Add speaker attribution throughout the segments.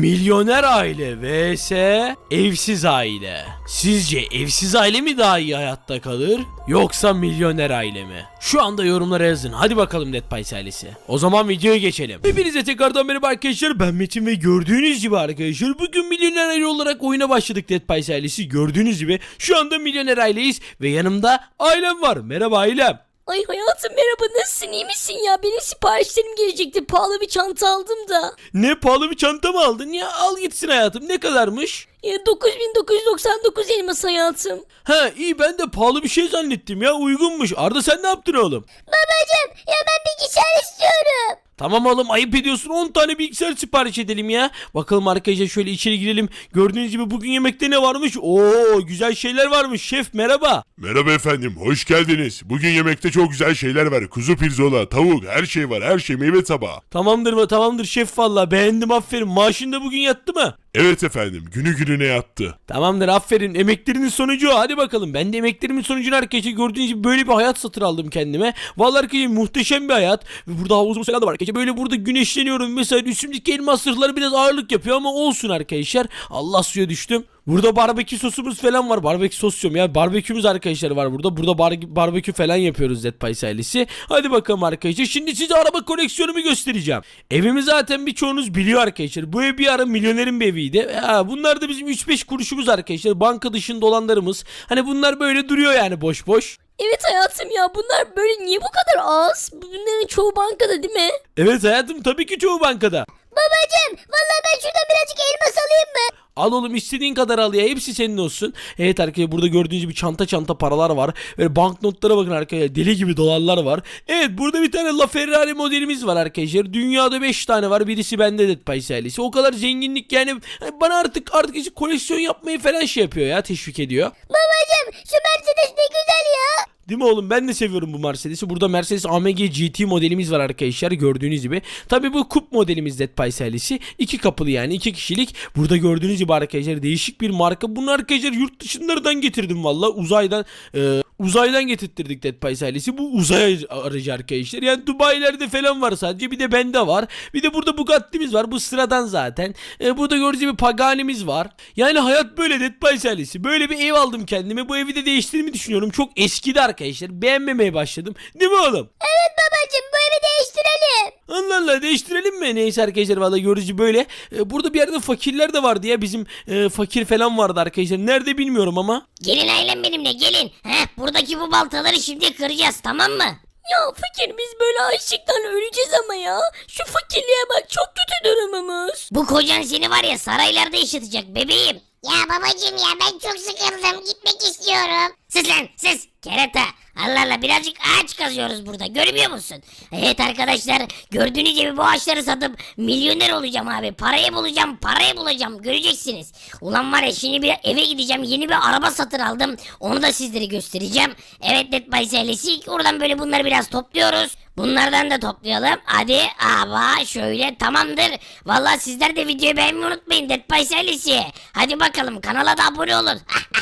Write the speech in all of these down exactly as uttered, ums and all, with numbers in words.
Speaker 1: Milyoner aile vs evsiz aile. Sizce evsiz aile mi daha iyi hayatta kalır yoksa milyoner aile mi? Şu anda yorumlara yazın. Hadi bakalım Dead Pies ailesi. O zaman videoya geçelim. Hepinize tekrardan merhaba arkadaşlar. Ben Metin ve gördüğünüz gibi arkadaşlar bugün milyoner aile olarak oyuna başladık Dead Pies ailesi. Gördüğünüz gibi şu anda milyoner aileyiz ve yanımda ailem var. Merhaba ailem.
Speaker 2: Ay hayatım merhaba, nasılsın, iyi misin ya? Benim siparişlerim gelecekti, pahalı bir çanta aldım da.
Speaker 1: Ne, pahalı bir çanta mı aldın ya? Al gitsin hayatım. Ne kadarmış?
Speaker 2: Ya dokuz bin dokuz yüz doksan dokuz elmas hayatım.
Speaker 1: Ha iyi, ben de pahalı bir şey zannettim ya, uygunmuş. Arda sen ne yaptın oğlum?
Speaker 2: Babacım ya ben bilgisayar istiyorum.
Speaker 1: Tamam oğlum, ayıp ediyorsun, on tane bilgisayar sipariş edelim ya. Bakalım arkadaşlar, şöyle içeri girelim. Gördüğünüz gibi bugün yemekte ne varmış? Oo, güzel şeyler varmış. Şef merhaba.
Speaker 3: Merhaba efendim, hoş geldiniz. Bugün yemekte çok güzel şeyler var. Kuzu pirzola, tavuk, her şey var, her şey, meyve tabağı.
Speaker 1: Tamamdır mı? Tamamdır şef, valla beğendim, aferin. Maaşın da bugün yattı mı?
Speaker 3: Evet efendim, günü gününe yattı.
Speaker 1: Tamamdır, aferin. Emeklerinin sonucu o. Hadi bakalım. Ben de emeklerimin sonucunu arkadaşlar gördüğünüz gibi böyle bir hayat satın aldım kendime. Vallahi arkadaşlar muhteşem bir hayat. Ve burada havuzumuz falan da var arkadaşlar. Böyle burada güneşleniyorum. Mesela üstümdeki elmas zırhları biraz ağırlık yapıyor ama olsun arkadaşlar. Allah, suya düştüm. Burada barbekü sosumuz falan var. Barbekü sos diyorum ya. Barbekümüz arkadaşlar var burada. Burada bar barbekü falan yapıyoruz Dead Pies ailesi. Hadi bakalım arkadaşlar. Şimdi size araba koleksiyonumu göstereceğim. Evimi zaten birçoğunuz biliyor arkadaşlar. Bu ev bir ara milyonerin bir eviydi. Ha, bunlar da bizim üç beş kuruşumuz arkadaşlar. Banka dışında olanlarımız. Hani bunlar böyle duruyor yani boş boş.
Speaker 2: Evet hayatım ya, bunlar böyle niye bu kadar az? Bunların çoğu bankada değil mi?
Speaker 1: Evet hayatım, tabii ki çoğu bankada.
Speaker 2: Babacım vallahi ben şuradan birazcık elmas alayım mı?
Speaker 1: Al oğlum, istediğin kadar al ya, hepsi senin olsun. Evet arkadaşlar, burada gördüğünüz gibi çanta çanta paralar var. Böyle banknotlara bakın arkadaşlar, deli gibi dolarlar var. Evet, burada bir tane LaFerrari modelimiz var arkadaşlar. Dünyada beş tane var, birisi bende Dead Pies ailesi. O kadar zenginlik yani, bana artık artık işte koleksiyon yapmayı falan şey yapıyor ya, teşvik ediyor.
Speaker 2: Babacım şu Mercedes ne güzel ya.
Speaker 1: Değil mi oğlum? Ben de seviyorum bu Mercedes'i. Burada Mercedes A M G G T modelimiz var arkadaşlar, gördüğünüz gibi. Tabi bu kup modelimiz Dead Pies ailesi. İki kapılı yani, iki kişilik. Burada gördüğünüz gibi arkadaşlar değişik bir marka. Bunu arkadaşlar yurt dışından getirdim valla. Uzaydan e, uzaydan getirttirdik Dead Pies ailesi. Bu uzay aracı arkadaşlar. Yani Dubai'lerde falan var sadece. Bir de bende var. Bir de burada Bugatti'miz var. Bu sıradan zaten. E, burada gördüğünüz gibi Pagani'miz var. Yani hayat böyle Dead Pies ailesi. Böyle bir ev aldım kendime. Bu evi de değiştirmeyi düşünüyorum. Çok eskidi arkadaşlar. Beğenmemeye başladım. Değil mi oğlum?
Speaker 2: Evet babacım, bu evi değiştirelim.
Speaker 1: Allah Allah, değiştirelim mi? Neyse arkadaşlar, valla görücü böyle. Ee, burada bir yerde fakirler de vardı ya. Bizim e, fakir falan vardı arkadaşlar. Nerede bilmiyorum ama.
Speaker 4: Gelin ailem benimle gelin. Heh, buradaki bu baltaları şimdi kıracağız, tamam mı?
Speaker 2: Ya fakir, biz böyle açlıktan öleceğiz ama ya. Şu fakirliğe bak, çok kötü durumumuz.
Speaker 4: Bu kocan seni var ya saraylarda yaşatacak bebeğim.
Speaker 5: Ya babacım ya ben çok sıkıldım, gitmek istiyorum.
Speaker 4: Sus lan sus kerata. Allah Allah, birazcık ağaç kazıyoruz burada, görmüyor musun? Evet arkadaşlar, gördüğünüz gibi bu ağaçları satıp milyoner olacağım abi. Parayı bulacağım, parayı bulacağım, göreceksiniz. Ulan var ya, şimdi bir eve gideceğim, yeni bir araba satın aldım. Onu da sizlere göstereceğim. Evet Dead Pies ailesi, oradan böyle bunları biraz topluyoruz. Bunlardan da toplayalım. Hadi ama şöyle, tamamdır. Vallahi sizler de videoyu beğenmeyi unutmayın Dead Pies ailesi. Hadi bakalım, kanala da abone olun.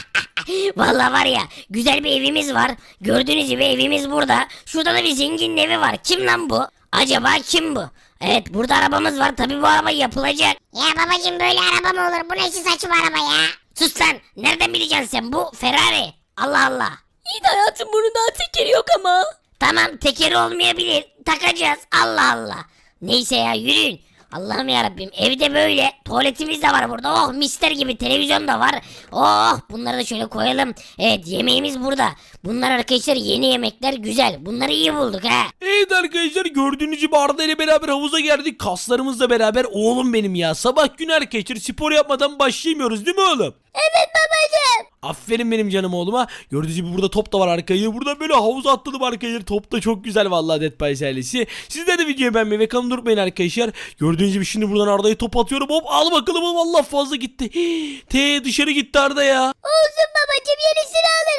Speaker 4: Vallahi var ya, güzel bir evimiz var. Gördüğünüz gibi evimiz burada. Şurada da bir zenginin evi var. Kim lan bu? Acaba kim bu? Evet, burada arabamız var. Tabii bu araba yapılacak.
Speaker 5: Ya babacım böyle araba mı olur? Bu ne saçma araba ya?
Speaker 4: Sus lan. Nereden bileceksin sen? Bu Ferrari. Allah Allah.
Speaker 2: İyi de hayatım, bunun daha tekeri yok ama.
Speaker 4: Tamam, tekeri olmayabilir. Takacağız. Allah Allah. Neyse ya, yürüyün. Allah'ım yarabbim, evde böyle tuvaletimiz de var burada. Oh, mister gibi televizyon da var. Oh, bunları da şöyle koyalım. Evet, yemeğimiz burada. Bunlar arkadaşlar yeni yemekler, güzel. Bunları iyi bulduk ha.
Speaker 1: Evet arkadaşlar, gördüğünüz gibi Arda ile beraber havuza geldik. Kaslarımızla beraber. Oğlum benim ya, sabah günü arkadaşlar spor yapmadan başlayamıyoruz değil mi oğlum?
Speaker 2: Evet babacım.
Speaker 1: Aferin benim canım oğluma. Gördüğünüz gibi burada top da var arkadaşlar. Burada böyle havuza atladım arkadaşlar. Top da çok güzel vallahi Dead Pies ailesi. Sizler de videoyu beğenmeyi ve kanalıma unutmayın arkadaşlar. Gördüğünüz gibi şimdi buradan Arda'ya top atıyorum. Hop, al bakalım oğlum, Allah fazla gitti. T dışarı gitti Arda ya.
Speaker 2: Olsun babacım, yenisini alırız.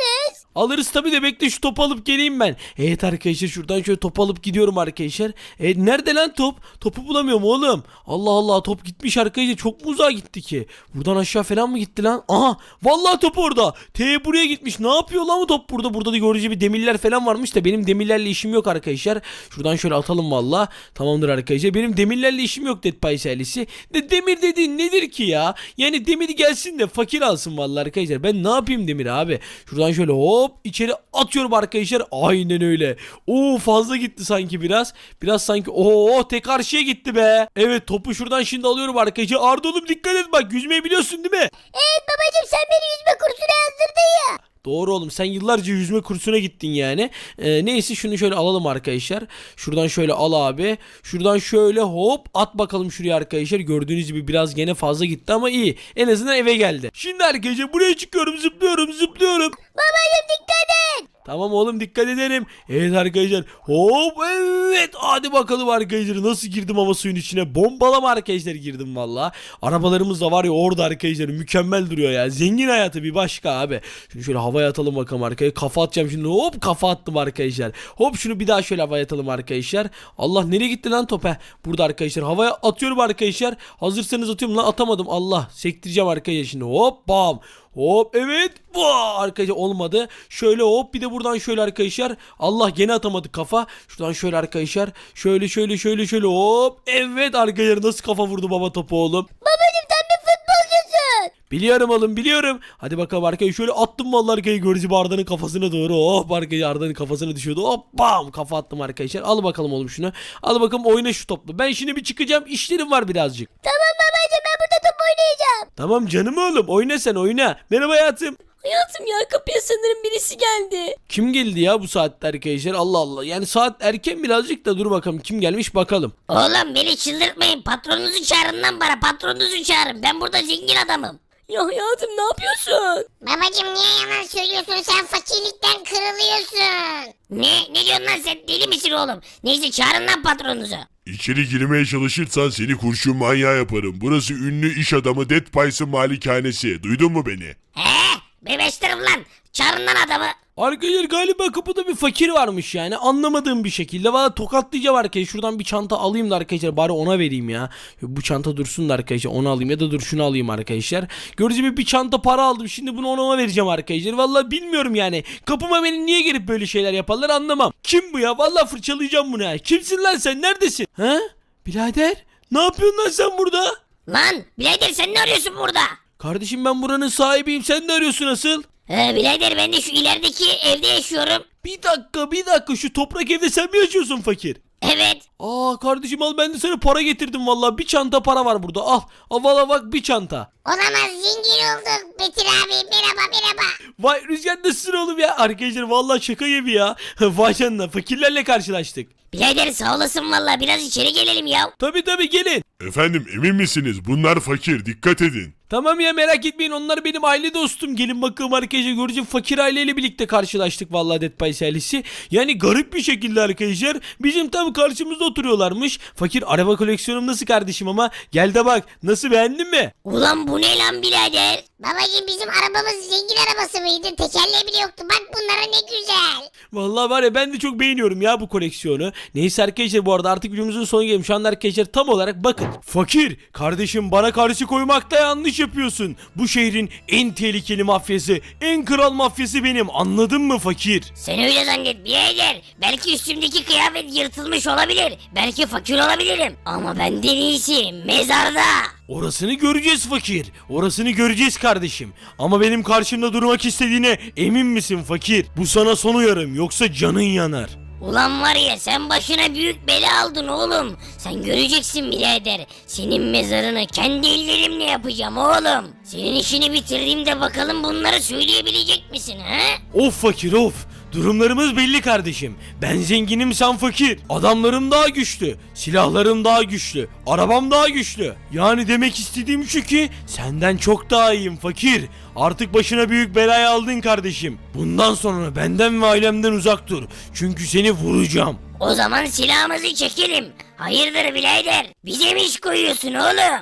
Speaker 1: Alırız tabii de bekle şu topu alıp geleyim ben. Evet arkadaşlar şuradan şöyle top alıp gidiyorum arkadaşlar. Evet nerede lan top? Topu bulamıyorum oğlum. Allah Allah top gitmiş arkadaşlar. Çok mu uzağa gitti ki? Buradan aşağı falan mı gitti lan? Aha vallahi top orada. T buraya gitmiş. Ne yapıyor lan bu top burada? Burada da görücü bir demirler falan varmış da benim demirlerle işim yok arkadaşlar. Şuradan şöyle atalım valla. Tamamdır arkadaşlar. Benim demirlerle işim yok Dead Pies ailesi. De demir dediğin nedir ki ya? Yani demir gelsin de fakir alsın vallahi arkadaşlar. Ben ne yapayım demir abi? Şuradan şöyle hop içeri atıyorum arkadaşlar. Aynen öyle. Oo fazla gitti sanki biraz. Biraz sanki oo tek karşıya gitti be. Evet topu şuradan şimdi alıyorum arkadaşlar. Arda oğlum dikkat et bak yüzmeyi biliyorsun değil mi?
Speaker 5: Evet babacım sen beni yüzme kursuna yazdırdın ya.
Speaker 1: Doğru oğlum sen yıllarca yüzme kursuna gittin yani. Ee, neyse şunu şöyle alalım arkadaşlar. Şuradan şöyle al abi. Şuradan şöyle hop at bakalım şuraya arkadaşlar. Gördüğünüz gibi biraz gene fazla gitti ama iyi. En azından eve geldi. Şimdi arkadaşlar buraya çıkıyorum zıplıyorum zıplıyorum.
Speaker 5: Babacım dikkat et.
Speaker 1: Tamam oğlum dikkat ederim. Evet arkadaşlar. Hop evet. Hadi bakalım arkadaşlar. Nasıl girdim ama suyun içine. Bombalama arkadaşlar girdim valla. Arabalarımız da var ya orada arkadaşlar. Mükemmel duruyor ya. Zengin hayatı bir başka abi. Şimdi şöyle havaya atalım bakalım arkaya. Kafa atacağım şimdi. Hop kafa attım arkadaşlar. Hop şunu bir daha şöyle havaya atalım arkadaşlar. Allah nereye gitti lan top? Heh, burada arkadaşlar. Havaya atıyorum arkadaşlar. Hazırsanız atıyorum lan atamadım. Allah sektireceğim arkadaşlar şimdi. Hop bam. Hop evet. Vaa, arkadaşlar olmadı. Şöyle hop bir de buradan şöyle arkadaşlar. Allah gene atamadı kafa. Şuradan şöyle arkadaşlar. Şöyle şöyle şöyle şöyle hop. Evet arkadaşlar nasıl kafa vurdu baba topu oğlum.
Speaker 5: Babacım sen bir futbolcusun.
Speaker 1: Biliyorum oğlum biliyorum. Hadi bakalım arkadaşlar şöyle attım vallahi arkadaşlar görücü bir Arda'nın kafasına doğru. Hop arkadaşlar Arda'nın kafasına düşüyordu. Hop bam kafa attım arkadaşlar. Al bakalım oğlum şunu. Al bakalım oyna şu topla. Ben şimdi bir çıkacağım işlerim var birazcık.
Speaker 5: Tamam babacım ben burada top oynayacağım.
Speaker 1: Tamam canım oğlum oyna sen oyna. Merhaba hayatım.
Speaker 2: Hayatım ya kapıya sanırım birisi geldi.
Speaker 1: Kim geldi ya bu saatte arkadaşlar? Allah Allah. Yani saat erken birazcık da dur bakalım kim gelmiş bakalım.
Speaker 4: Oğlum beni çıldırtmayın. Patronunuzu çağırın lan bana. Patronunuzu çağırın. Ben burada zengin adamım.
Speaker 2: Ya hayatım ne yapıyorsun?
Speaker 5: Babacım niye yalan söylüyorsun sen fakirlikten kırılıyorsun.
Speaker 4: Ne? Ne diyorsun lan sen? Deli misin oğlum? Neyse çağırın lan patronunuzu.
Speaker 3: İçeri girmeye çalışırsan seni kurşun manyağı yaparım. Burası ünlü iş adamı Dead Pies'ın malikanesi. Duydun mu beni?
Speaker 4: He? Bebeştirim lan. Çağırın lan adamı.
Speaker 1: Arkadaşlar galiba kapıda bir fakir varmış yani anlamadığım bir şekilde. Valla tokatlayacağım arkadaşlar. Şuradan bir çanta alayım da arkadaşlar bari ona vereyim ya. Bu çanta dursun da arkadaşlar onu alayım ya da dur şunu alayım arkadaşlar. Gördüğünüz gibi bir çanta para aldım. Şimdi bunu ona vereceğim arkadaşlar. Valla bilmiyorum yani. Kapıma beni niye gelip böyle şeyler yaparlar anlamam. Kim bu ya? Valla fırçalayacağım bunu ha. Kimsin lan sen? Neredesin? Ha? Birader? Ne yapıyorsun lan sen burada?
Speaker 4: Lan birader sen ne arıyorsun burada?
Speaker 1: Kardeşim ben buranın sahibiyim. Sen ne arıyorsun asıl?
Speaker 4: He birader ben de şu ilerideki evde yaşıyorum.
Speaker 1: Bir dakika bir dakika şu toprak evde sen mi yaşıyorsun fakir?
Speaker 4: Evet.
Speaker 1: Aa kardeşim al ben de sana para getirdim vallahi bir çanta para var burada al. Al valla bak bir çanta.
Speaker 5: Olamaz zengin olduk Betir abi merhaba merhaba.
Speaker 1: Vay Rüzgar nasılsın oğlum ya? Arkadaşlar vallahi şaka gibi ya. Vay canına fakirlerle karşılaştık.
Speaker 4: Birader sağ olasın valla biraz içeri gelelim ya.
Speaker 1: Tabi tabi gelin.
Speaker 3: Efendim emin misiniz? Bunlar fakir. Dikkat edin.
Speaker 1: Tamam ya merak etmeyin onlar benim aile dostum. Gelin bakalım arkadaşlar göreceğim fakir aileyle birlikte karşılaştık vallahi Dead Pies ailesi. Yani garip bir şekilde arkadaşlar bizim tam karşımızda oturuyorlarmış. Fakir araba koleksiyonum nasıl kardeşim ama gel de bak nasıl beğendin mi?
Speaker 4: Ulan bu ne lan birader?
Speaker 5: Babacım bizim arabamız zengin arabası mıydı? Tekerleği bile yoktu. Bak bunlara ne güzel.
Speaker 1: Vallahi var ya ben de çok beğeniyorum ya bu koleksiyonu. Neyse arkadaşlar bu arada artık videomuzun sonuna gelmiş. Şu anda arkadaşlar tam olarak bakın. Fakir kardeşim bana karşı koymakta yanlış yapıyorsun. Bu şehrin en tehlikeli mafyası, en kral mafyası benim. Anladın mı fakir?
Speaker 4: Sen öyle zannet birader. Belki üstümdeki kıyafet yırtılmış olabilir. Belki fakir olabilirim. Ama benden iyisi mezarda.
Speaker 1: Orasını göreceğiz fakir. Orasını göreceğiz kardeşim. Ama benim karşımda durmak istediğine emin misin fakir? Bu sana son uyarım yoksa canın yanar.
Speaker 4: Ulan var ya sen başına büyük bela aldın oğlum. Sen göreceksin birader. Senin mezarını kendi ellerimle yapacağım oğlum. Senin işini bitirdiğimde bakalım bunları söyleyebilecek misin he?
Speaker 1: Of fakir of. Durumlarımız belli kardeşim. Ben zenginim sen fakir. Adamlarım daha güçlü. Silahlarım daha güçlü. Arabam daha güçlü. Yani demek istediğim şu ki senden çok daha iyiyim fakir. Artık başına büyük belayı aldın kardeşim. Bundan sonra benden ve ailemden uzak dur. Çünkü seni vuracağım.
Speaker 4: O zaman silahımızı çekelim. Hayırdır birader? Bize mi iş koyuyorsun oğlum?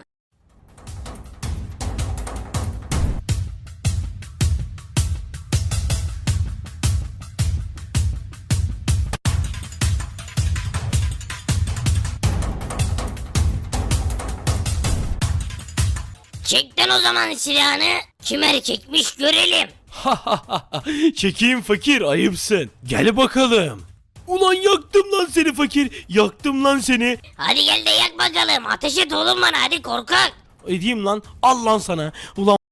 Speaker 4: Çekten o zaman silahını. Kim erkekmiş görelim.
Speaker 1: Çekeyim fakir, ayıpsın. Gel bakalım. Ulan yaktım lan seni fakir. Yaktım lan seni.
Speaker 4: Hadi gel de yak bakalım. Ateş et oğlum bana hadi korkak.
Speaker 1: Edeyim lan. Al lan sana. Ulan